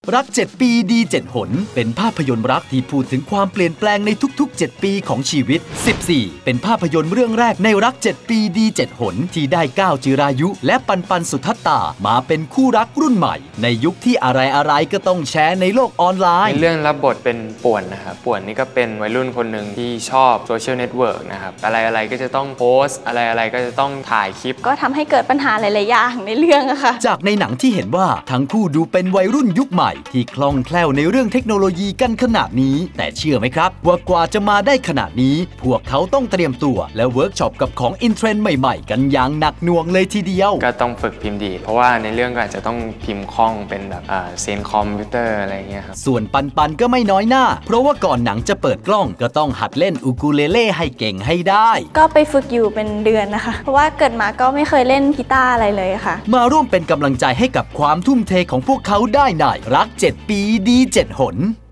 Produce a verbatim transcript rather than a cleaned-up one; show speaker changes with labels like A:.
A: รักเจ็ดปีดีเจ็ดหนเป็นภาพยนตร์รักที่พูดถึงความเปลี่ยนแปลงในทุกๆเจ็ดปีของชีวิตสิบสี่เป็นภาพยนตร์เรื่องแรกในรักเจ็ดปีดีเจ็ดหนที่ได้ก้าวจิรายุและปันปันสุทัตตามาเป็นคู่รักรุ่นใหม่ในยุคที่อะไรๆก็ต้องแชร์ในโลกออนไลน์
B: ในเรื่องรับบทเป็นป่วนนะครับป่วนนี่ก็เป็นวัยรุ่นคนหนึ่งที่ชอบโซเชียลเน็ตเวิร์กนะครับอะไรๆก็จะต้องโพสต์อะไรๆก็จะต้องถ่ายคลิป
C: ก็ทำให้เกิดปัญหาหลายๆอย่างในเรื่องอะค่ะ
A: จากในหนังที่เห็นว่าทั้งคู่ดูเป็นวัยรุ่นยุคใหม่ที่คล่องแคล่วในเรื่องเทคโนโลยีกันขนาดนี้แต่เชื่อไหมครับว่ากว่าจะมาได้ขนาดนี้พวกเขาต้องเตรียมตัวและเวิร์กช็อปกับของอินเทรนด์ใหม่ๆกันอย่างหนักหน่วงเลยทีเดียว
B: ก็ต้องฝึกพิมพ์ดีเพราะว่าในเรื่องก็อาจจะต้องพิมพ์คล่องเป็นแบบเซนคอมพิวเตอร์อะไรเงี้ยครับ
A: ส่วนปันปันก็ไม่น้อยหน้าเพราะว่าก่อนหนังจะเปิดกล้องก็ต้องหัดเล่นอูคูเลเล่ให้เก่งให้ได้
C: ก็ไปฝึกอยู่เป็นเดือนนะคะเพราะว่าเกิดมาก็ไม่เคยเล่นกีตาร์อะไรเลยค่ะ
A: มาร่วมเป็นกำลังใจให้กับความทุ่มเทของพวกเขาได้ในรักเจ็ดปีดีเจ็ดหน